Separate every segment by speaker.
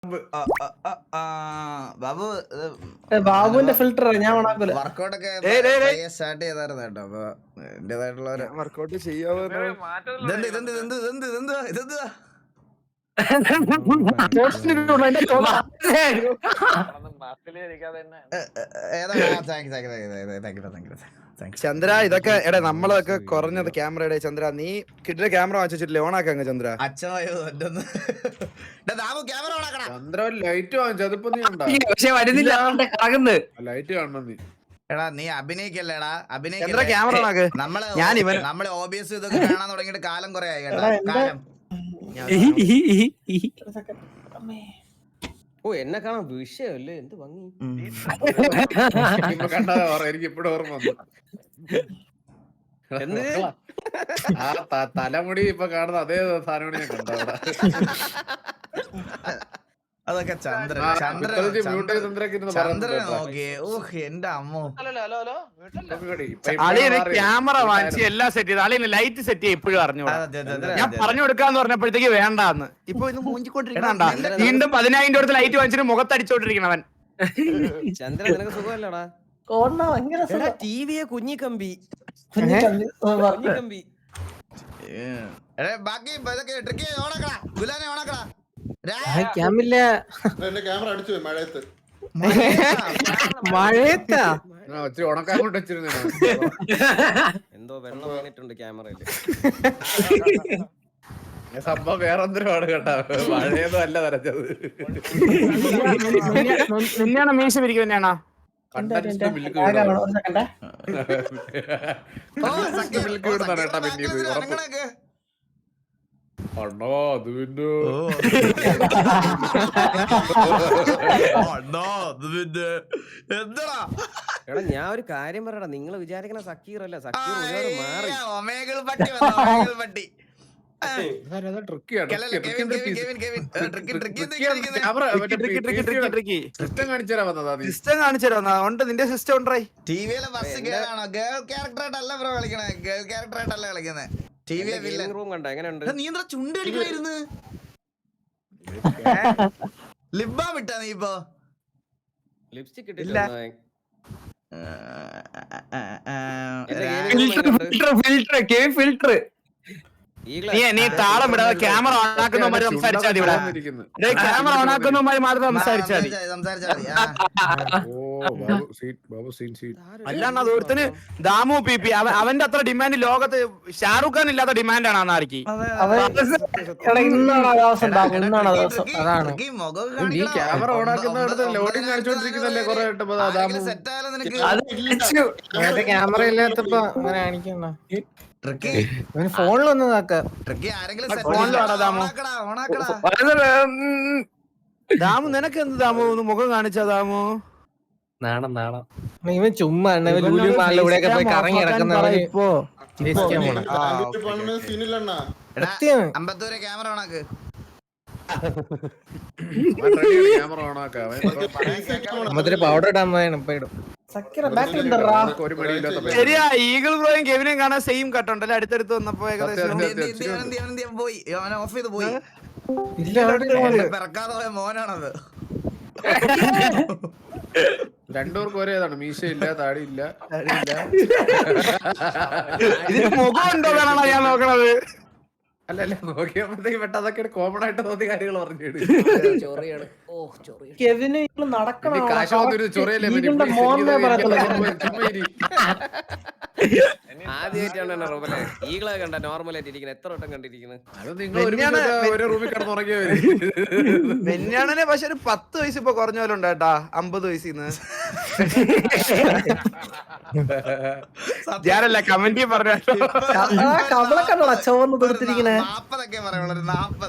Speaker 1: ബാബു
Speaker 2: ബാബുവിന്റെ ഫിൽറ്റർ ഞാൻ ഓണാക്കൂല.
Speaker 1: വർക്കൗട്ട് ഒക്കെ സ്റ്റാർട്ട് ചെയ്തായിരുന്നു കേട്ടോ. അപ്പൊ എന്റേതായിട്ടുള്ള
Speaker 3: വർക്കൗട്ട് ചെയ്യാതെ ചന്ദ്ര ഇതൊക്കെ എടാ നമ്മളൊക്കെ കുറഞ്ഞത് ക്യാമറയുടെ ചന്ദ്ര നീ കിട്ടിയ ക്യാമറ വാങ്ങിച്ചിട്ടില്ലേ ഓണാക്കങ്ങ് ചന്ദ്ര. ചന്ദ്ര ലൈറ്റ് വാങ്ങിച്ചു അതിപ്പോ നീ
Speaker 4: പക്ഷെ വരുന്നില്ല
Speaker 3: ലൈറ്റ് കാണണം നീ.
Speaker 1: എടാ നീ അഭിനയിക്കല്ലേടാ
Speaker 3: ചന്ദ്ര ക്യാമറ ഓണാക്ക്.
Speaker 1: നമ്മള് OBS ഇതൊക്കെ കാണാൻ തുടങ്ങിയിട്ട് കാലം കുറെ ആയി കേട്ടോ. കാലം
Speaker 5: ഓ എന്നെ കാണാൻ വിഷയമല്ലേ എന്ത് ഭംഗി.
Speaker 3: കണ്ടാ എനിക്ക് ഇപ്പഴും ഓർമ്മ വന്നു. ആ തലമുടി ഇപ്പൊ കാണുന്ന അതേ സാധനം ഞാൻ കണ്ട.
Speaker 1: അതൊക്കെ ചന്ദ്രനെ നോക്കിയേ. ഓഹ് എന്റെ അമ്മോ.
Speaker 4: അളിയന് ക്യാമറ വാങ്ങിച്ച് എല്ലാം സെറ്റ് ചെയ്ത് അളിയന് ലൈറ്റ് സെറ്റ് ചെയ്ത് ഇപ്പോഴും അറിഞ്ഞു. ഞാൻ പറഞ്ഞു കൊടുക്കാന്ന് പറഞ്ഞപ്പോഴത്തേക്ക് വേണ്ടാന്ന്. ഇപ്പൊ ഇത് മൂഞ്ചിക്കൊണ്ടിരിക്കണ വീണ്ടും 10,000 രൂപ ലൈറ്റ് വാങ്ങിച്ചിട്ട് മുഖത്തടിച്ചോണ്ടിരിക്കണവൻ.
Speaker 5: ചന്ദ്ര നിനക്ക് സുഖമല്ലടാ.
Speaker 2: ടിവിയെ
Speaker 5: കുഞ്ഞിക്കമ്പി
Speaker 1: ബാക്കി ഇതൊക്കെ ട്രിക്ക് ഓണക്കടാ. ഗുലാനെ ഓണക്കടാ.
Speaker 2: ക്യാമില്ല
Speaker 6: ക്യാമറ അടിച്ചു മഴയത്ത്.
Speaker 2: മഴയത്താ
Speaker 3: ഉണക്കാൻ കൊണ്ട് വെച്ചിരുന്നു.
Speaker 5: എന്തോ വെള്ളം വീണിട്ടുണ്ട് ക്യാമറയില്.
Speaker 3: സംഭവം വേറെ എന്തിനാണ് കേട്ടാ. മഴയൊന്നും അല്ല വരച്ചത്.
Speaker 4: നിന്നെയാണോ മീശ പിരിക്കും തന്നെയാണോ?
Speaker 3: അണ്ണോ അത് പിന്നെ
Speaker 1: എന്താ
Speaker 5: എടാ ഞാൻ ഒരു കാര്യം പറയടാ. നിങ്ങൾ വിചാരിക്കണ സക്കീർ അല്ല. സക്കീർ ഒരുപാട് മാറി.
Speaker 1: പട്ടി
Speaker 4: സിസ്റ്റം കാണിച്ചു നിന്റെ സിസ്റ്റം ഉണ്ടായി.
Speaker 1: ടിവിയിലെ ബസ് കേറാണോ? ഗേൾ ക്യാരക്ടറായിട്ടല്ല ബ്രോ കളിക്കണേ. ഗേൾ ക്യാരക്ടറായിട്ടല്ല കളിക്കുന്നത്.
Speaker 5: റൂം കണ്ട എങ്ങനെയുണ്ട്?
Speaker 1: നീ എന്താ ചുണ്ടടിക്കണായിരുന്നു? ലിബാ വിട്ടാ നീ ഇപ്പൊ?
Speaker 5: ലിപ്സ്റ്റിക്
Speaker 4: ഫിൽട്ടർ നീ താളം ഇടാതെ ക്യാമറ ഓണാക്കുന്നവന്മാര് സംസാരിച്ചാൽ മതി. ഇവിടെ ക്യാമറ ഓണാക്കുന്നവന്മാര് മാത്രം സംസാരിച്ചാൽ മതി. അല്ലാണ്ട് അത് ഒരുത്തന് ദാമു PP അവന്റെ അത്ര ഡിമാൻഡ് ലോകത്ത് ഷാറുഖ് ഖാൻ ഇല്ലാത്ത ഡിമാൻഡാണ് ആർക്ക്.
Speaker 3: നീ ക്യാമറ ഓണാക്കുന്നിടത്ത് ലോഡിങ് കാണിച്ചോണ്ടിരിക്കുന്നല്ലേ കൊറേ
Speaker 2: ക്യാമറ ഇല്ലാത്തപ്പോ അങ്ങനെ കാണിക്കണ ഫോണിലൊന്നും
Speaker 4: ദാമു നിനക്ക് എന്ത് ദാമു ഒന്ന് മുഖം കാണിച്ചാ ദാമു?
Speaker 2: നാണം നാണം ഇവൻ ചുമ്മാ ഇവിടെയൊക്കെ പോയി കറങ്ങി കിടക്കുന്നവന് ഇപ്പോ
Speaker 1: അമ്പത്തൂരെ ക്യാമറ ഓണാക്ക്.
Speaker 2: പൗഡർ ഇടാൻ ഇപ്പൊ ഇടും.
Speaker 4: ശരിയാ, ഈഗിൾ ബ്രോയും കെവിനെയും കാണാൻ സെയിം കട്ടുണ്ടല്ലേ അടുത്തടുത്ത് വന്നപ്പോ ഏകദേശം.
Speaker 1: പോയി ഓഫ് ചെയ്ത് പോയി. പിറക്കാതെ പോയ മോനാണത്.
Speaker 3: രണ്ടുപേർക്കും ഒരേതാണ്. മീശയില്ല, താടിയില്ല.
Speaker 4: ഇതിന് മുഖം ഉണ്ടോ വേണോ ഞാൻ നോക്കണത്?
Speaker 3: അല്ലല്ല നോക്കിയപ്പോഴത്തേക്ക് പെട്ട അതൊക്കെ കോമൺ ആയിട്ട് തോന്നിയ കാര്യങ്ങൾ പറഞ്ഞു.
Speaker 5: ആദ്യമായിട്ടാണ് റൂമിലെ ഈകളെ കണ്ട നോർമലായിട്ട് ഇരിക്കുന്നത്. എത്ര വട്ടം കണ്ടിരിക്കുന്നത്?
Speaker 3: അത് നിങ്ങൾ ഒരു റൂമിൽ കിടന്നുറങ്ങിയവര്.
Speaker 4: വെഞ്ഞാണനെ പക്ഷെ ഒരു 10 വയസ്സ് ഇപ്പൊ കുറഞ്ഞ പോലെ ഉണ്ടായിട്ടാ. 50 വയസ്സിന്ന് ഞാനല്ല കമന്റ് പറഞ്ഞോ.
Speaker 2: ചോർന്ന് തീർത്തിരിക്കണേ
Speaker 1: 40 പറയുള്ളൂ.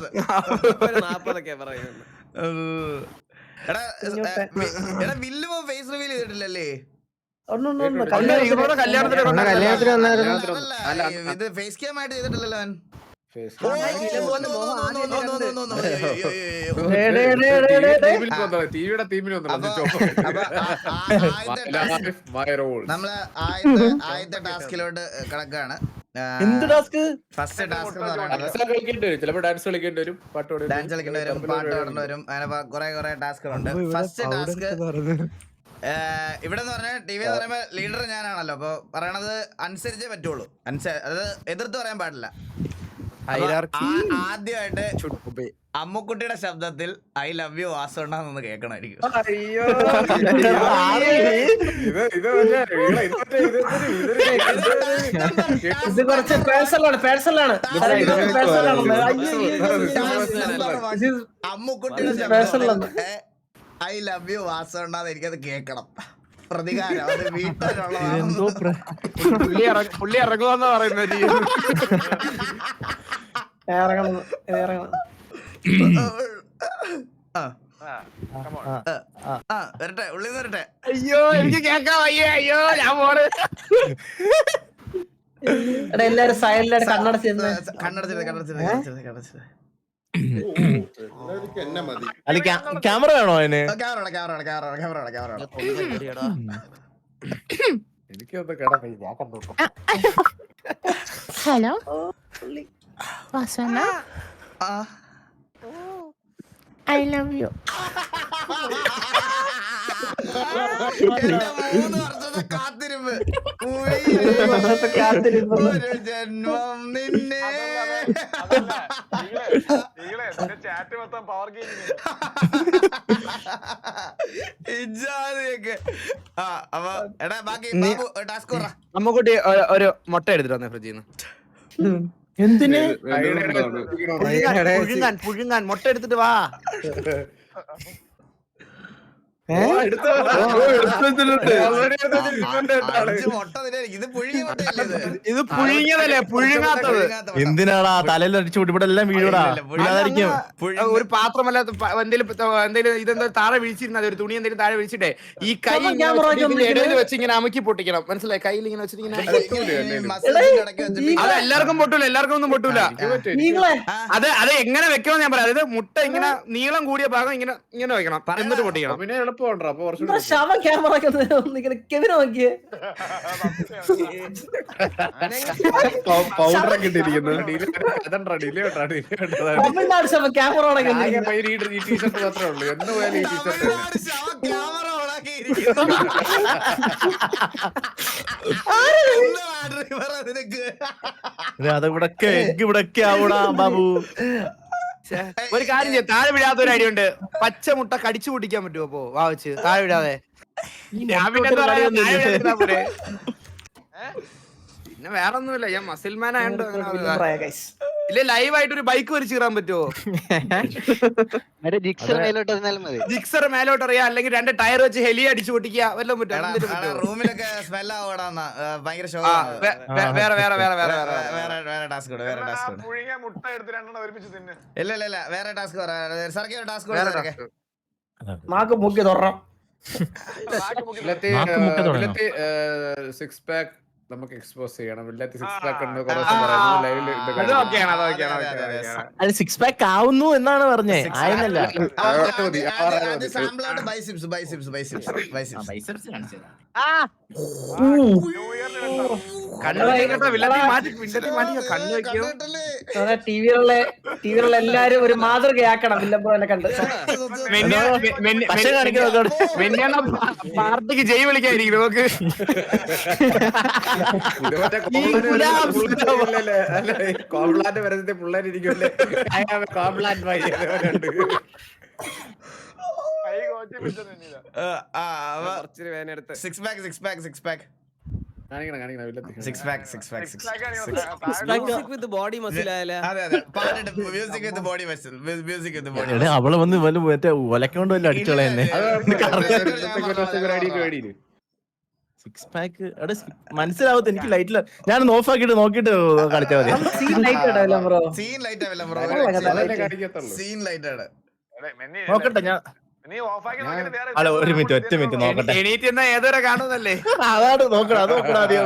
Speaker 1: 40 പറയുന്നു. എടാ വില്ലുമോ ഫേസ് റിവീൽ ചെയ്തിട്ടില്ലല്ലേ?
Speaker 4: കല്യാണത്തിന്
Speaker 1: ഇത് ഫേസ് ക്യാം ആയിട്ട് ചെയ്തിട്ടില്ലല്ലോ അവൻ.
Speaker 3: ടിവിയുടെ തീമിൽ
Speaker 1: നമ്മള് ആദ്യത്തെ ടാസ്കിലോട്ട് കിടക്കാണ്.
Speaker 2: എന്ത് ടാസ്ക്?
Speaker 1: ഫസ്റ്റ് ടാസ്ക് എന്ന് പറയുന്നത്
Speaker 2: കളിക്കേണ്ടി വരും, ചിലപ്പോ ഡാൻസ് കളിക്കേണ്ടി വരും, പാട്ട്
Speaker 1: ഡാൻസ് കളിക്കേണ്ടി വരും, പാട്ട് പാടേണ്ടി വരും, അങ്ങനെ കുറെ ടാസ്കുകളുണ്ട്. ഫസ്റ്റ് ടാസ്ക് ഇവിടെ എന്ന് പറഞ്ഞാൽ ടി വി എന്ന് പറയുമ്പോൾ ലീഡർ ഞാനാണല്ലോ, അപ്പൊ പറയണത് അനുസരിച്ചേ പറ്റുള്ളൂ, അത് എതിർത്ത് പറയാൻ പാടില്ല. ആദ്യമായിട്ട് അമ്മുക്കുട്ടിയുടെ ശബ്ദത്തിൽ ഐ ലവ് യു വാസുണ്ടാന്ന് കേൾക്കണമായിരിക്കും.
Speaker 2: ഇത് കുറച്ച് പേഴ്സണലാണ്.
Speaker 1: അമ്മുക്കുട്ടിയുടെ ശബ്ദത്തിൽ ഐ ലവ് യു വാസുണ്ടാന്ന് എനിക്കത് കേൾക്കണം. പ്രതികാരം അത് വീട്ടിലുള്ള
Speaker 4: പുള്ളി ഇറങ്ങുമെന്നാ പറയുന്നത്.
Speaker 1: വരട്ടെ, ഉള്ളിൽ നിന്ന് വരട്ടെ.
Speaker 4: അയ്യോ എനിക്ക് കേക്കാൻ വയ്യ. അയ്യോ ഞാൻ പോണ്.
Speaker 2: എല്ലാരും സൈലന്റ് കണ്ണടച്ച്
Speaker 1: കണ്ണടച്ചിട്ട്
Speaker 6: എന്നെ മതി.
Speaker 2: ക്യാമറ വേണോ അതിന്?
Speaker 1: ക്യാമറ
Speaker 2: എനിക്കൊന്ന് കേടാ, ഞാൻ കണ്ടു.
Speaker 7: ഹലോ വാസന, ഐ ലവ് യു.
Speaker 1: 3 വർഷത്തെ കാത്തിരിപ്പ്, ഒരു ജന്മം നിന്നെ.
Speaker 4: അമ്മക്കുട്ടി ഒരു മുട്ട എടുത്തിട്ട് വന്നേ ഫ്രിഡ്ജിൽ നിന്ന്.
Speaker 2: എന്തിന്?
Speaker 4: പുഴുങ്ങാൻ മുട്ട എടുത്തിട്ട് വാ. ഇത് പുഴുങ്ങിയതല്ലേ, പുഴുങ്ങാത്തത്.
Speaker 2: എന്തിനാടാ തലയിൽ അടിച്ചു കൂട്ടി ഇവിടെ എല്ലാം വീഴൂടാ.
Speaker 4: ഒരു പാത്രമല്ല എന്തെങ്കിലും ഇതെന്താ താഴെ വീഴ്ചിരുന്നത്, ഒരു തുണി എന്തെങ്കിലും താഴെ വീഴ്ചിട്ടേ ഈ കൈ ഇടയിൽ വെച്ച് ഇങ്ങനെ അമുക്കി പൊട്ടിക്കണം. മനസ്സിലായി? കയ്യിൽ ഇങ്ങനെ വെച്ചിട്ട് അത് എല്ലാവർക്കും പൊട്ടൂല, എല്ലാവർക്കും ഒന്നും പൊട്ടൂല. അത് എങ്ങനെ വെക്കണം ഞാൻ പറയാം. അതായത് മുട്ട ഇങ്ങനെ നീളം കൂടിയ ഭാഗം ഇങ്ങനെ ഇങ്ങനെ വെക്കണം, എന്നിട്ട് പൊട്ടിക്കണം.
Speaker 3: പിന്നെ എളുപ്പമുണ്ടോ? അപ്പൊ കുറച്ചുകൂടി പൗഡർ ഒക്കെ ഇട്ടിരിക്കുന്നു. ഈ ടീഷർട്ട് മാത്രമേ ഉള്ളൂ. എന്ന് പോയാലും ഈ ടീഷർട്ട്
Speaker 2: ഇവിടൊക്കെ ആവൂടാ ബാബു.
Speaker 4: ഒരു കാര്യം ചെയ്യാം, താഴെ വിടാത്ത ഒരു ഐഡിയ ഉണ്ട്. പച്ച മുട്ട കടിച്ചു പൊട്ടിക്കാൻ പറ്റുമോ? അപ്പോ വാവച്ച് താഴെ വിടാതെ. ഞാൻ പിന്നെ വേറെ ഒന്നുമില്ല, ഞാൻ മസിൽമാൻ ആയതുകൊണ്ട്. ഇല്ല ലൈവായിട്ട് ഒരു ബൈക്ക് വലിച്ചു കയറാൻ പറ്റുമോ? ജിക്സർ മേലോട്ട് അറിയാം, അല്ലെങ്കിൽ 2 ടയർ വെച്ച് ഹെലി അടിച്ചു പൊട്ടിക്കുക, വല്ലതും പറ്റും.
Speaker 1: റൂമിലൊക്കെ സ്മെൽ ആവടാ, ഭയങ്കര ഷോ. വേറെ ടാസ്ക് ഇല്ല വേറെ task circle task
Speaker 3: six pack നമുക്ക് എക്സ്പോസ് ചെയ്യണം.
Speaker 2: അത് 6 പാക്ക് ആവുന്നു എന്നാണ് പറഞ്ഞേ, ആയിരുന്നല്ല.
Speaker 5: ടിവിയിലുള്ള എല്ലാരും ഒരു മാതൃകയാക്കണം. വില്ലബ്രോനെ കണ്ട്
Speaker 4: പാർട്ടിക്ക് ജയ് വിളിക്കായിരിക്കും നമുക്ക്.
Speaker 3: കോംപ്ലാന്റ് പരസ്യത്തെ പിള്ളേരിക്കുമല്ലേ?
Speaker 2: അവള് വന്ന് മറ്റേ ഒലക്കൊണ്ട് വല്ല അടിച്ചോളെ തന്നെ. 6 പാക്ക് മനസ്സിലാവത്ത് എനിക്ക്. ലൈറ്റില് ഞാൻ ഓഫ് ആക്കിട്ട് നോക്കിട്ട് കളിച്ചാൽ മതി. നോക്കട്ടെ ഞാൻ. അല്ല ഒരു മിനിറ്റ്, ഒറ്റ മിനിറ്റ് നോക്കട്ടെ.
Speaker 4: എണീറ്റ് എന്നാ ഏതുവരെ കാണുന്നല്ലേ?
Speaker 2: അതാണ് നോക്കണം, അത് നോക്കണം ആദ്യം.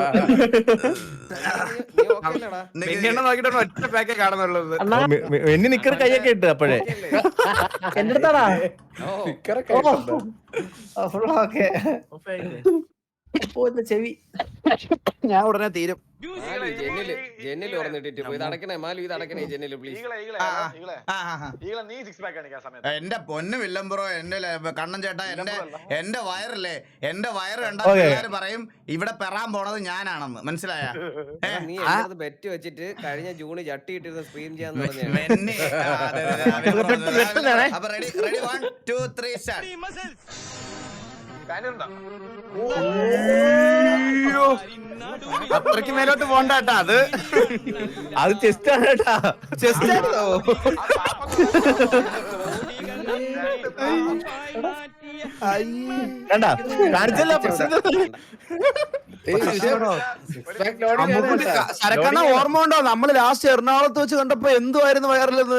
Speaker 4: നോക്കിട്ട് ഒറ്റ പാക്കേ കാണുന്നുള്ളത്.
Speaker 2: എന്നെ നിക്കറ് കൈയൊക്കെ ഇട്ട് അപ്പോഴേ
Speaker 5: എന്റെ അടുത്താടാ.
Speaker 2: ചെവി
Speaker 3: ഞാൻ ഉടനെ തീരും.
Speaker 5: ജെന്നിൽ തുറന്നിട്ടിട്ട് ഇത് അടക്കണേ മാലു, ഇത് അടക്കണേ ജെന്നില് പ്ലീസ്.
Speaker 1: എന്റെ പൊന്നു വില്ലം ബ്രോ, എന്റെ കണ്ണൻ ചേട്ടാ, എന്റെ വയറല്ലേ, എന്റെ വയറ് കണ്ടാ എല്ലാരും പറയും ഇവിടെ പെറാൻ പോണത് ഞാനാണെന്ന്. മനസ്സിലായ?
Speaker 5: നീ ബെറ്റ് വെച്ചിട്ട് കഴിഞ്ഞ ജൂണ് ചട്ടി ഇട്ടിരുന്ന സ്ട്രീം ചെയ്യാന്ന് പറഞ്ഞു.
Speaker 1: അപ്പൊ റെഡി 1 2 3 സ്റ്റാർട്ട്.
Speaker 4: അത്രയ്ക്ക് മേലോട്ട് പോണ്ടാട്ടാ അത്.
Speaker 2: അത് ചെസ്റ്റ് ആണ് കേട്ടാ.
Speaker 4: ചെസ്റ്റ് ആണോ?
Speaker 2: കണ്ടാ കാണിച്ചല്ല പ്രശ്നം.
Speaker 4: ശരക്കണ്ണ ഓർമ്മ ഉണ്ടോ നമ്മള് ലാസ്റ്റ് എറണാകുളത്ത് വെച്ച് കണ്ടപ്പോ എന്തുവായിരുന്നു വയറിലെന്ന്?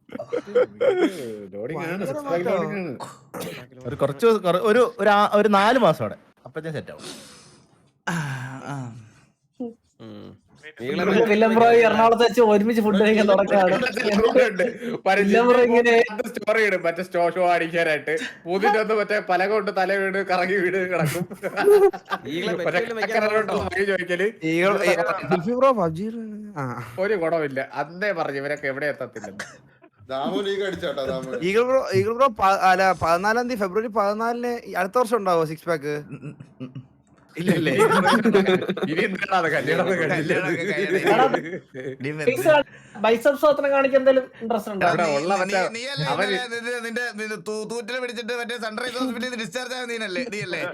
Speaker 2: ഒരു കുറച്ച് ഒരു 4 മാസം അവിടെ അപ്പഴത്തേക്കും സെറ്റ് ആവും.
Speaker 8: എറണാകുളത്ത് വെച്ച് ഒരുമിച്ച് ഫുഡ് കഴിക്കാൻ തുടങ്ങാണ്.
Speaker 9: സ്റ്റോറി ഇടും മറ്റേ ഷോ അടിക്കാനായിട്ട്. പൂതിന്റെ ഒന്ന് മറ്റേ പല കൊണ്ട് തല വീട് കറങ്ങി വീട് കിടക്കും. ചോദിക്കല് ഒരു ഗുണമില്ല. അന്നേ പറഞ്ഞു ഇവരൊക്കെ എവിടെ എത്തത്തില്ലെന്ന്.
Speaker 6: ദാമു ലീഗ് അടിച്ചാട്ടാ ദാമു.
Speaker 3: ഈഗിൾ ബ്രോ 14 ഫെബ്രുവരി 14 അടുത്ത വർഷം ഉണ്ടാവോ 6 പാക്ക്?
Speaker 9: ഇല്ലല്ലേ ഇനി എന്താണ് കല്യാണം
Speaker 8: ബൈസപ്സ് അത്ര കാണിക്കാൻ എന്തെങ്കിലും ഇൻട്രസ്റ്റ് ഉണ്ടോ?
Speaker 1: നിന്റെ തൂറ്റില് പിടിച്ചിട്ട് മറ്റേ സൺറൈസ് ഹോസ്പിറ്റലിൽ ഡിസ്ചാർജ് ആയ നീനല്ലേ?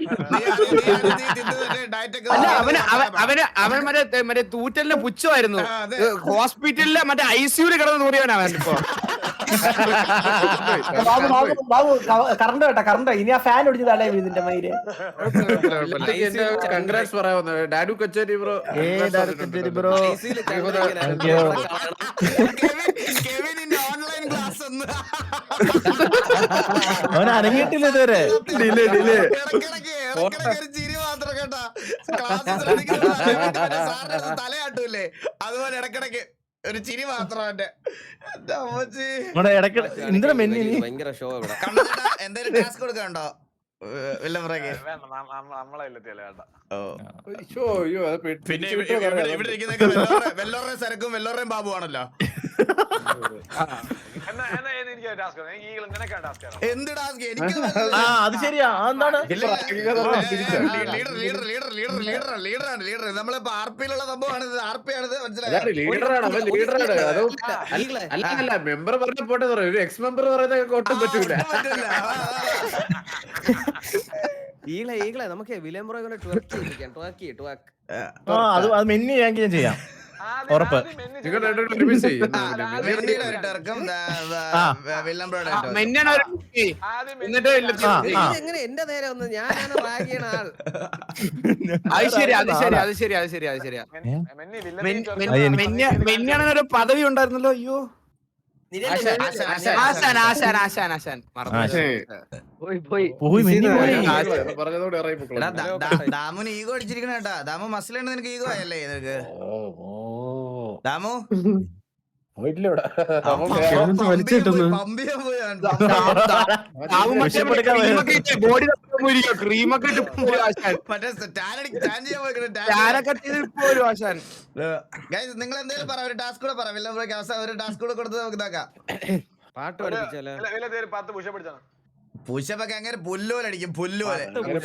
Speaker 4: അവൻ മറ്റേ തൂറ്റലിന് പുച്ഛമായിരുന്നു. ഹോസ്പിറ്റലിലെ മറ്റേ ICU കിടന്ന് നൂറിയവനാണ് ഇപ്പൊ.
Speaker 8: ബാബു കറണ്ട് കേട്ടാ, കറണ്ട് ഇനി ആ ഫാൻ ഒടിച്ച് തടയാ ഇതിന്റെ മയില്.
Speaker 9: കൺഗ്രാറ്റ്സ് പറയാവുന്ന ഡാഡു കച്ചേരി ബ്രോ.
Speaker 2: ബ്രോ
Speaker 1: ഓൺലൈൻ ക്ലാസ്
Speaker 2: അവൻ അനങ്ങിയിട്ടില്ല ഇതുവരെ.
Speaker 1: ചിരി മാത്രം കേട്ടാ. തലയാട്ടൂല്ലേ അതുപോലെ ഇടക്കിടക്ക് ഒരു ചിരി മാത്രം.
Speaker 2: ഇടയ്ക്ക് എന്തിനാ മെന്നി
Speaker 5: ഭയങ്കര ഷോ ഇവിടെ.
Speaker 1: എന്തേലും ടാസ്ക് കൊടുക്കണ്ടോ വില്ലംബ്രയ്ക്ക്? പിന്നെ ഇവിടെ ഇരിക്കുന്ന വെല്ലോറെ സരക്കും വെല്ലോറേയും ബാബു ആണല്ലോ. എന്ത് ടാസ്ക്? എനിക്ക്
Speaker 2: അത് ശരിയാ. എന്താണ്
Speaker 1: ലീഡർ നമ്മളിപ്പോ RP-യിലുള്ള സംഭവമാണിത്. RP ആണിത്, മനസ്സിലായോ?
Speaker 9: അല്ല മെമ്പർ പറഞ്ഞ പോട്ടെ, ഒരു എക്സ് മെമ്പർ പറയുന്നത് ഒട്ടും പറ്റൂല.
Speaker 5: ഈകളെ നമുക്ക് വില്യം ബ്രോ
Speaker 2: അത് മെന്നി ഞാൻ ചെയ്യാം ഉറപ്പ്.
Speaker 5: എങ്ങനെ എന്റെ നേരെ ഒന്ന് ഞാനാണ് റാഗ് ചെയ്യണ ആൾ.
Speaker 4: മെന്നിയാണെങ്കിൽ ഒരു പദവി ഉണ്ടായിരുന്നല്ലോ. അയ്യോ
Speaker 1: ദാമുന് ഈഗോ അടിച്ചിരിക്കണ കേട്ടാ. ദാമു മസിലുണ്ട്, നിനക്ക് ഈഗോ ആയല്ലേ നിനക്ക്? ദാമു നിങ്ങൾ എന്തെങ്കിലും പറ, ഒരു ടാസ്ക് കൂടെ പറ. വില്ലംബ്രോയ്ക്ക് അവസാനം ഒരു ടാസ്ക് കൂടെ കൊടുത്ത് നമുക്ക് ഇതാക്കാം.
Speaker 5: പാട്ട് പഠിപ്പിച്ചാലോ?
Speaker 1: പുഷപ്പൊക്കെ അങ്ങനെ പുല്ലുപോലടിക്കും, പുല്ലുപോലെ.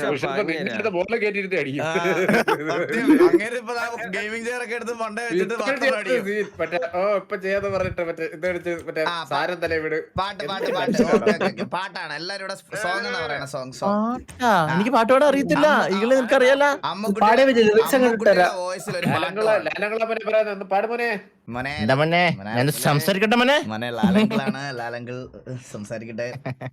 Speaker 1: അങ്ങനെ ഇപ്പൊ ഗെയിമിംഗ് ചെയർ ഒക്കെ എടുത്ത് മണ്ട വെച്ചിട്ട്
Speaker 9: ഇപ്പൊ ചെയ്യാന്ന് പറഞ്ഞിട്ട് മറ്റേ സാരം തലേ വീട്
Speaker 1: പാട്ടാണ്. എല്ലാരും ഇവിടെ സോങ് എന്നാ പറയണ. സോങ്
Speaker 2: എനിക്ക് പാട്ട് പാടാൻ അറിയത്തില്ല. ഈകളെ നിനക്കറിയാലോ.
Speaker 1: വോയിസിൽ ഒരു
Speaker 9: പാടുമോനെ
Speaker 2: ഞാൻ സംസാരിക്കട്ടെ മോനെ.
Speaker 1: മോനെ ലാലങ്കിളാണ്, ലാലങ്കിൾ സംസാരിക്കട്ടെ.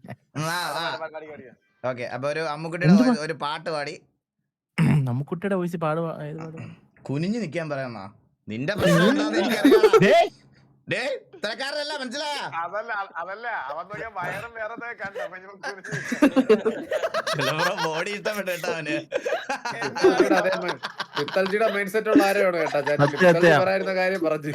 Speaker 1: ഓക്കെ, അപ്പൊ ഒരു അമ്മുക്കുട്ടിയുടെ ഒരു പാട്ട് പാടി.
Speaker 2: അമ്മുക്കുട്ടിയുടെ വോയിസ് പാടുവാ.
Speaker 1: കുനിഞ്ഞു നിക്കാൻ പറയാന്നാ നിന്റെ പ്രശ്നം എന്താന്ന് എനിക്കറിയാം. ഇത്രക്കാരല്ല, മനസ്സിലായ? ബോഡി ഇഷ്ടപ്പെട്ടു കേട്ടോ അവന്.
Speaker 9: പിത്തൽജിയുടെ മൈൻഡ് സെറ്റ് ഉള്ള ആരെയാണ് കേട്ടാ പറയുന്ന കാര്യം പറഞ്ഞു.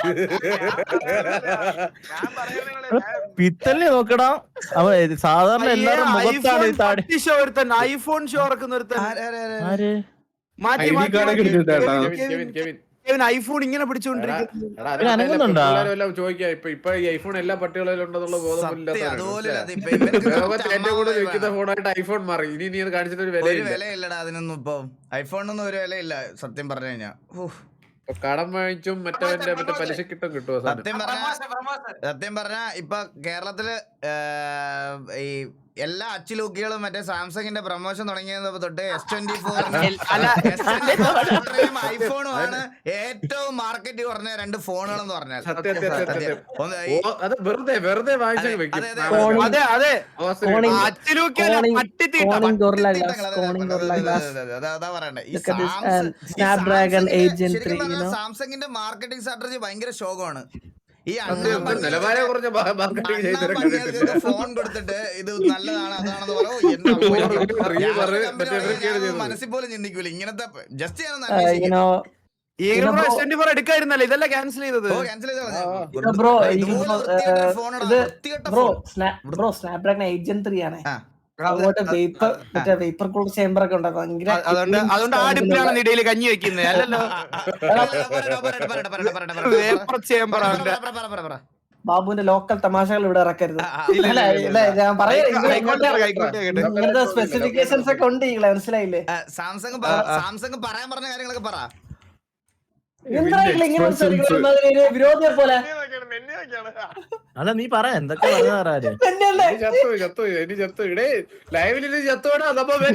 Speaker 2: പിത്തലിനെ നോക്കടാ. അവ സാധാരണ എല്ലാവരും മുഖത്താണ് ഈ താടി.
Speaker 4: ഐഫോൺ ഷോ ഇറക്കുന്ന ഒരുത്തൻ. മാറ്റി
Speaker 9: ID card ഒക്കെ എടുത്തിട്ടാ.
Speaker 4: ഐഫോൺ ഇങ്ങനെ പിടിച്ചോണ്ടിരിക്കുന്നു.
Speaker 9: എടാ,
Speaker 2: പിന്നെ അനങ്ങുന്നുണ്ടോ?
Speaker 9: പിള്ളേരെല്ലാം ചോദിക്കാം ഇപ്പൊ ഈ ഐഫോൺ എല്ലാ പട്ടികളിലും ഉണ്ടെന്നുള്ള
Speaker 1: അതുപോലെ
Speaker 9: ലോകത്തിൽ ഏറ്റവും കൂടുതൽ വിൽക്കുന്ന ഫോണായിട്ട് ഐഫോൺ മാറി. ഇനി നീ അത് കാണിച്ചിട്ട് ഒരു
Speaker 1: ഒരു
Speaker 9: വിലയില്ല.
Speaker 1: വിലയില്ലടാ അതിനൊന്നും. ഇപ്പൊ ഐഫോണിനൊന്നും ഒരു വിലയില്ല സത്യം പറഞ്ഞു കഴിഞ്ഞാ.
Speaker 9: ഇപ്പൊ കടം വാങ്ങിച്ചും മറ്റേ പലിശക്കിട്ടും കിട്ടുമോ സാധനം?
Speaker 1: സത്യം പറഞ്ഞ ഇപ്പൊ കേരളത്തില് ഈ എല്ലാ അച്ചിലൂക്കികളും മറ്റേ സാംസങ്ങിന്റെ പ്രൊമോഷൻ തുടങ്ങിയത് തൊട്ട് S24 ഐഫോണും ആണ് ഏറ്റവും മാർക്കറ്റ് കുറഞ്ഞ 2 ഫോണുകൾ എന്ന് പറഞ്ഞാൽ.
Speaker 9: അത് വെറുതെ വാങ്ങിച്ചു വെക്കും.
Speaker 4: അതെ അതെ
Speaker 1: അതാ പറയണ്ടേ. ഈ സാംസങ്ങിന്റെ മാർക്കറ്റിംഗ് സ്ട്രാറ്റജി ഭയങ്കര ശോകമാണ്. ഈ
Speaker 9: നിലവാരം കുറഞ്ഞ മാർക്കറ്റിംഗ്
Speaker 1: ഫോൺ കൊടുത്തിട്ട് ഇത് നല്ലതാണ് അതാണെന്ന് മനസ്സിൽ പോലും ചിന്തിക്കൂല ഇങ്ങനത്തെ. ജസ്റ്റ്
Speaker 4: എടുക്കായിരുന്നല്ലോ, ഇതെല്ലാം ക്യാൻസൽ ചെയ്തത്.
Speaker 8: ബ്രോ സ്നാപ്ഡ്രാഗൺ 8 ആണ്. അതുകൊണ്ട് വേപ്പർ കൂൾ ചേമ്പർ ഒക്കെ ഉണ്ടാക്കും.
Speaker 4: അതുകൊണ്ട് ആ ഡിപ്പിലാണ് ഇടയിൽ കഞ്ഞി വെക്കുന്നത്. അല്ലല്ലോ, വേപ്പർ ചേമ്പർ.
Speaker 8: ബാബുവിന്റെ ലോക്കൽ തമാശകൾ ഇവിടെ ഇറക്കരുത്. ഞാൻ പറയാം, ഇങ്ങനത്തെ സ്പെസിഫിക്കേഷൻസ് ഒക്കെ ഉണ്ട്. മനസ്സിലായില്ലേ?
Speaker 1: സാംസങ് പറയാൻ പറഞ്ഞ കാര്യങ്ങളൊക്കെ പറ.
Speaker 8: വിരോധിയെ പോലെ
Speaker 2: അല്ല നീ പറ എന്തൊക്കെ പറഞ്ഞു.
Speaker 9: ലൈവില് ചത്തോടാ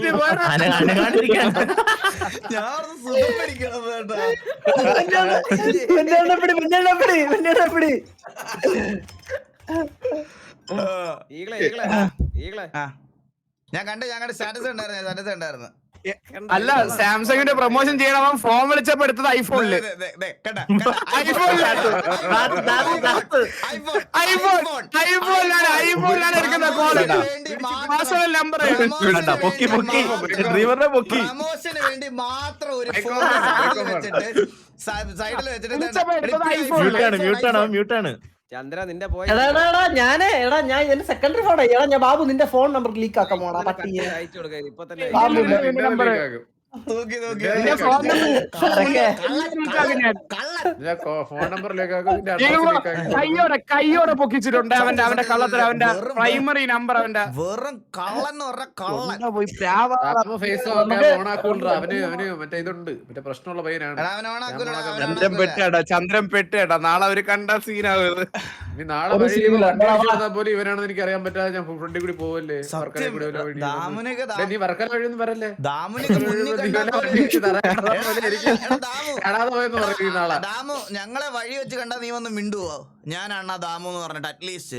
Speaker 1: ഞാൻ കണ്ട് സ്റ്റാറ്റസ് ഉണ്ടായിരുന്നു.
Speaker 4: അല്ല, സാംസങ്ങിന്റെ പ്രൊമോഷൻ ചെയ്യണം. ഫോൺ വിളിച്ചപ്പോ എടുത്തത് ഐഫോണില്. ഐഫോണിലാണ് എടുക്കുന്ന കോള്. നമ്പർ
Speaker 1: പ്രമോഷന് വേണ്ടി മാത്രം ഒരു ഫോൺ സൈഡിൽ വെച്ചിട്ട്
Speaker 2: മ്യൂട്ടാണ്.
Speaker 5: ചന്ദ്ര നിന്റെ പോയ
Speaker 8: ഞാൻ എന്റെ സെക്കൻഡറി ഫോൺ ഞാൻ ബാബു നിന്റെ ഫോൺ നമ്പർ ലീക്ക് ആക്കാൻ പോണാ പറ്റിയ
Speaker 5: അയച്ചു കൊടുക്ക ഇപ്പൊ തന്നെ.
Speaker 9: ഫോൺ നമ്പറിലേക്ക്
Speaker 4: കയ്യോടെ പൊക്കിച്ചിട്ടുണ്ട് അവന്റെ കള്ളത്തിൽ. അവന്റെ പ്രൈമറി നമ്പർ അവന്റെ
Speaker 1: വെറും കള്ളൻ കള്ളൻ
Speaker 4: പോയി
Speaker 9: ഫേസ് ഓണാക്കൂടാ. അവന് മറ്റേ ഇതുണ്ട്, മറ്റേ പ്രശ്നമുള്ള പയ്യനാണ്.
Speaker 4: ചന്ദ്രൻ പെട്ടേടാ. നാളെ അവര് കണ്ട സീനാവുന്നത്.
Speaker 9: നീ നാളെ പോലും ഇവനാണെന്ന് എനിക്ക് അറിയാൻ പറ്റാതെ ഞാൻ ഫ്രണ്ടിൽ കൂടി പോവല്ലേ. നീ വർക്കല വഴിയൊന്നും വരല്ലേ.
Speaker 1: ദാമു ഞങ്ങളെ വഴി വെച്ച് കണ്ടാ നീ വന്ന് മിണ്ടുവോ? ഞാനാണ് ദാമു എന്ന് പറഞ്ഞിട്ട് അറ്റ്ലീസ്റ്റ്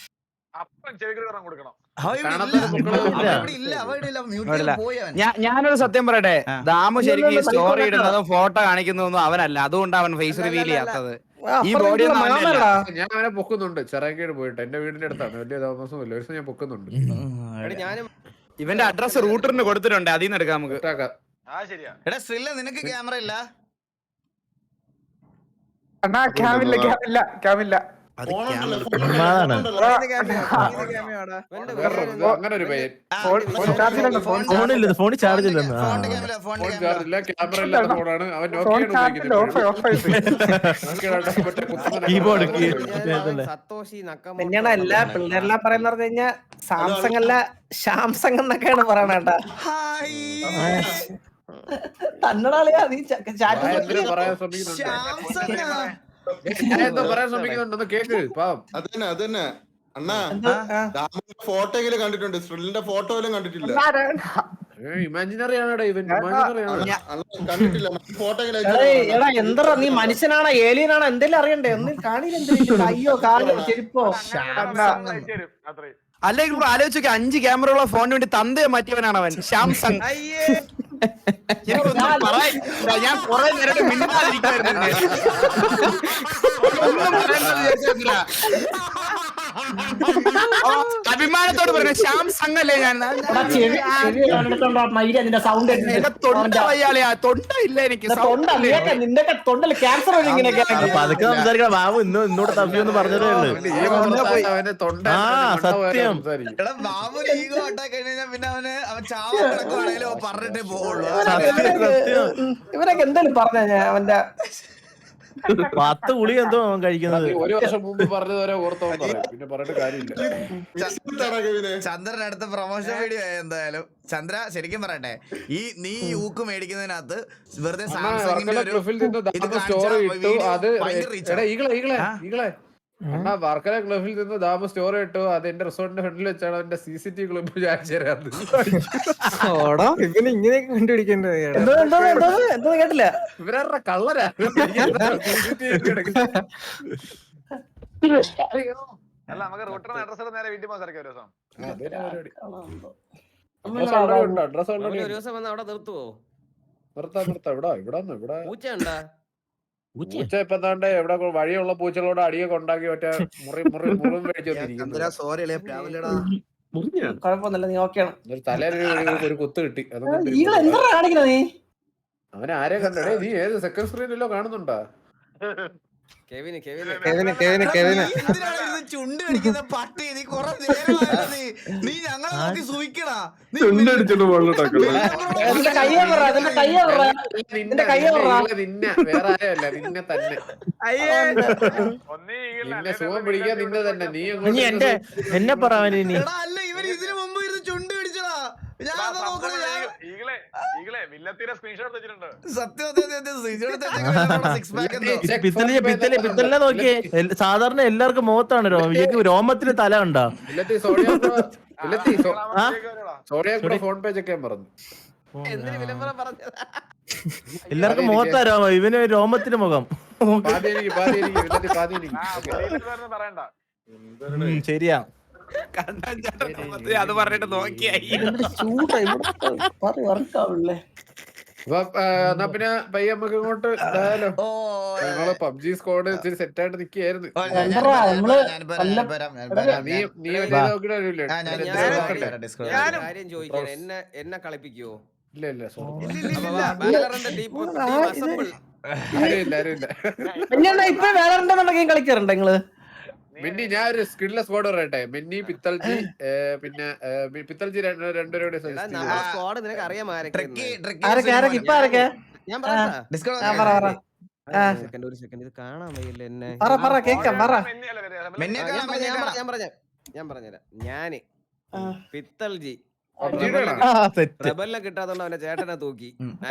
Speaker 4: ഞാനൊരു സത്യം പറയട്ടെ, ദാമു ശരിക്കും സ്റ്റോറി ഇടുന്നതും ഫോട്ടോ കാണിക്കുന്നതൊന്നും അവനല്ല. അതുകൊണ്ട് അവൻ ഫേസ് റിവീൽ ചെയ്യാത്തത്. ഈ ബോഡി
Speaker 9: ഞാൻ അവനെ പൊക്കുന്നുണ്ട്. ചെറാക്കേട് പോയിട്ട് എന്റെ വീടിന്റെ അടുത്താണ്. വലിയ താമസമില്ല. ഒരു ദിവസം ഞാൻ പൊക്കുന്നുണ്ട്.
Speaker 5: ഞാനും
Speaker 4: ഇവന്റെ അഡ്രസ് റൂട്ടറിന് കൊടുത്തിട്ടുണ്ട്. അതിൽ നിന്ന് എടുക്കാം നമുക്ക്.
Speaker 1: എടാ സ്ട്രില്ല നിനക്ക് ക്യാമറ ഇല്ല?
Speaker 4: ക്യാമില്ല.
Speaker 9: അങ്ങനെ ഒരു പയ്യൻ
Speaker 2: ഫോണിൽ ചാർജ് ഇല്ലെന്ന്.
Speaker 9: ഇല്ല, ക്യാമറ ഇല്ലാത്ത ഫോണാണ്. അവൻ
Speaker 5: സത്തോഷി
Speaker 8: തന്നെയാണ് എല്ലാ പിള്ളേരെല്ലാം പറയുന്ന പറഞ്ഞു കഴിഞ്ഞാ സാംസങ് അല്ല സാംസങ് എന്നൊക്കെയാണ് പറയണേട്ടാ. തന്നടാളിയാ നീ
Speaker 9: പറയാൻ ശ്രമിക്കുന്നുണ്ടെന്ന് കേക്ക്. പാവം
Speaker 6: അതന്നെ അണ്ണാ ഫോട്ടോയിലും കണ്ടിട്ടുണ്ട്, സ്ട്രില്ലിന്റെ ഫോട്ടോയിലും കണ്ടിട്ടില്ല.
Speaker 9: ഇമാജിനറി ആണോ ഇവൻ? ഇമാജിനറി ആണ്.
Speaker 6: കണ്ടിട്ടില്ല ഫോട്ടോ.
Speaker 8: എടാ എന്താ നീ മനുഷ്യനാണോ ഏലിയനാണോ എന്തെങ്കിലും അറിയണ്ടേ? ഒന്നും കാണില്ല. അയ്യോ കാലോ ചെരുപ്പോ.
Speaker 4: അല്ലെങ്കിൽ ആലോചിച്ചൊക്കെ 5 ക്യാമറയുള്ള ഫോണിന് വേണ്ടി തന്തയെ മാറ്റിയവനാണ് അവൻ. സാംസങ്. ഞാൻ കുറെ നേരം മിണ്ടാതിരിക്കുവായിരുന്നു. അഭിമാനത്തോട് പറഞ്ഞു ശ്യാം സംഘ് അല്ലേ ഞാൻ
Speaker 8: നിന്റെ സൗണ്ട്
Speaker 4: എന്റെ തൊണ്ട വയ്യാളിയാ തൊണ്ട ഇല്ല എനിക്ക്
Speaker 8: തൊണ്ട നിന്റെ തൊണ്ടല് ക്യാൻസർ വരും ഇങ്ങനെയൊക്കെ
Speaker 2: പതുക്കെ സംസാരിക്കണം. ബാബു ഇന്നോട് തപ്പിയൊന്ന് പറഞ്ഞതേ ഉള്ളൂ.
Speaker 4: അവന്റെ തൊണ്ട
Speaker 2: ആ സത്യം.
Speaker 1: എടാ ബാബുന് ഈഗോ അറ്റാക്ക് കഴിഞ്ഞാൽ പിന്നെ അവൻ ചാവാൻ കിടക്കുവാണെങ്കിലും പറഞ്ഞിട്ടേ പോവുള്ളൂ.
Speaker 8: ഇവരൊക്കെ എന്തായാലും പറഞ്ഞ ഞാൻ അവന്റെ
Speaker 2: 10 ഗുളി എന്തോ അവൻ കഴിക്കുന്നത്.
Speaker 9: ഒരു വർഷം മുമ്പ് പറഞ്ഞതുവരെ ഓർത്തോളം പറയും, പിന്നെ പറഞ്ഞിട്ട് കാര്യമില്ല.
Speaker 1: ചന്ദ്രൻ അടുത്ത പ്രൊമോഷൻ വീഡിയോ ആയി എന്തായാലും. ചന്ദ്ര ശരിക്കും പറയട്ടെ, നീ ഊക്ക് മേടിക്കുന്നതിനകത്ത് വെറുതെ സാംസങ്ങിന്റെ ഒരു
Speaker 9: സ്റ്റോറി ഇട്ടു. അത്
Speaker 1: ഭയങ്കര reach ആണ്.
Speaker 9: ഈകളെ അണ്ണാ വർക്കല ക്ലബിൽ നിന്ന് ദാമ സ്റ്റോറി ഇട്ടു. അത് എന്റെ റിസോർട്ടിന്റെ ഫ്രണ്ടിൽ വെച്ചാണ് എന്റെ CCTV ക്ലബ്
Speaker 8: ഇവന് ഇങ്ങനെയൊക്കെ കണ്ടുപിടിക്കേണ്ടത് എന്തോ കേട്ടില്ല.
Speaker 9: ഇവരുടെ കള്ളരാ.
Speaker 4: അല്ല നമുക്ക് റൂട്ടറിന് അഡ്രസ് നേരെ വീട്ടിൽ പോകാൻ സാധിക്കും ഒരു ദിവസം.
Speaker 9: അഡ്രസ്
Speaker 5: ഒരു ദിവസം വന്ന് അവിടെ നിർത്തുവോ?
Speaker 9: നിർത്താം. ഇവിടെ
Speaker 5: പൂച്ച ഉണ്ടാ?
Speaker 9: പൂച്ച ഇപ്പൊ എന്താണ്ട് എവിടെ വഴിയുള്ള പൂച്ചകളോട് അടിയൊക്കെ ഉണ്ടാക്കി മറ്റേ മുറിവും മേടിച്ചോണ്ടിരിക്കുന്നു.
Speaker 8: കുഴപ്പമൊന്നുമില്ല, നീ ഓക്കെയാണ്.
Speaker 9: തലയിൽ ഒരു കുത്ത് കിട്ടി.
Speaker 8: എന്താ കാണിക്കണ നീ?
Speaker 9: അവനെ ആരെ കണ്ടേ? നീ ഏത് സെക്കൻഡ് സ്ക്രീനിലോ കാണുന്നുണ്ടാ?
Speaker 5: കെവിന്
Speaker 1: ചുണ്ട് കടിക്കുന്ന പട്ടി, നീ കൊറേ നീ ഞങ്ങളെ നോക്കി സൂയിക്കടാ.
Speaker 9: നിന്നെ വേറെ ആരല്ല, നിന്നെ തന്നെ. നിന്നെ സുഖം പിടിക്കാൻ നിന്നെ തന്നെ. നീ
Speaker 2: എന്നെ പറയാൻ ഇനി
Speaker 1: അല്ല ഇവർ ഇതിനു മുമ്പ് ഇരുന്ന് ചുണ്ട് പിടിച്ചടാ.
Speaker 2: പിത്തലിനെ നോക്കിയേ. സാധാരണ എല്ലാവർക്കും മുഖത്താണ് രോമത്തിന് തല ഉണ്ടോ?
Speaker 9: ഫോൺ പേ ചെക്കാൻ പറഞ്ഞു.
Speaker 2: എല്ലാവർക്കും മുഖത്താ രോമം, ഇവന് രോമത്തിന് മുഖം. ശരിയാ.
Speaker 4: അത് പറഞ്ഞിട്ട് നോക്കിയായി.
Speaker 9: എന്നാ പിന്നെ പയ്യ നമുക്ക് ഇങ്ങോട്ട് ഞങ്ങള് പബ്ജി സ്ക്വാഡ് ഇച്ചിരി സെറ്റ് ആയിട്ട് നിക്കായിരുന്നു. നീ
Speaker 5: കാര്യം ചോദിക്കാൻ എന്നെ കളിപ്പിക്കുവോ?
Speaker 9: ഇല്ല
Speaker 8: ഇപ്പൊ വേറെ ഗെയിം കളിക്കാറുണ്ടോ നിങ്ങള്?
Speaker 9: മിന്നി ഞാൻ ഒരു സ്കിഡ്ല സ്ക്വാഡ് പറയട്ടെ. മിന്നി പിത്തൽജി പിന്നെ പിത്തൽജി രണ്ടുപേരുടെ
Speaker 5: സ്ക്വാഡ് നിനക്ക് അറിയാം. ഒരു സെക്കൻഡ് ഇത് കാണാൻ വയ്യല്ലേ എന്നെ? ഞാൻ പറഞ്ഞുതരാം. ഞാന് പിത്തൽജി റബലിനെ കിട്ടാത്തോണ്ട് അവന്റെ ചേട്ടനെ തൂക്കി.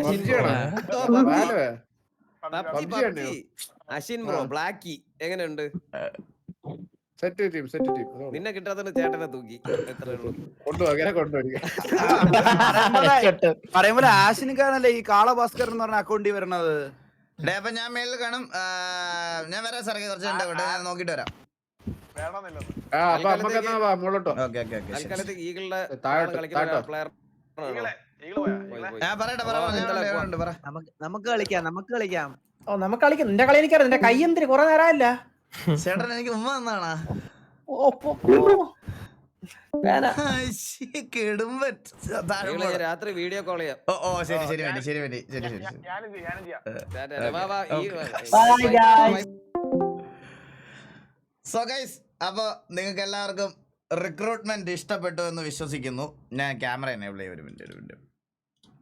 Speaker 5: അശ്വിൻ ബ്രോ ബ്ലാക്കി എങ്ങനെയുണ്ട്?
Speaker 9: സെറ്റ് ടീം
Speaker 5: നിന്നെ കിട്ടാത്തോണ്ട് ചേട്ടനെ തൂക്കി.
Speaker 3: പറയുമ്പോൾ ആശിനിക്കാരനല്ലേ ഈ കാളഭാസ്കർ എന്ന് പറഞ്ഞ അക്കൗണ്ടിൽ വരണത്?
Speaker 1: അപ്പൊ ഞാൻ മേലിൽ കാണും. ഞാൻ വരാം സാറേ, കുറച്ച് നോക്കിട്ട് വരാം.
Speaker 3: നമുക്ക് കളിക്കാം.
Speaker 8: ഓ നമുക്ക് കളിക്കാം. നിന്റെ കളി എനിക്കറിയാം. നിന്റെ കൈ എന്തിന് കുറെ നേരമല്ല
Speaker 1: ചേട്ടൻ എനിക്ക് ഉമ്മ തന്നാണാ?
Speaker 5: രാത്രി വീഡിയോ കോൾ ചെയ്യാം.
Speaker 1: ഓ ശരി. സോ ഗൈസ്, അപ്പൊ നിങ്ങൾക്ക് എല്ലാവർക്കും റിക്രൂട്ട്മെന്റ് ഇഷ്ടപ്പെട്ടു എന്ന് വിശ്വസിക്കുന്നു. ഞാൻ ക്യാമറ എനേബിൾ ചെയ്യാം. ഒരു മിനിറ്റ്.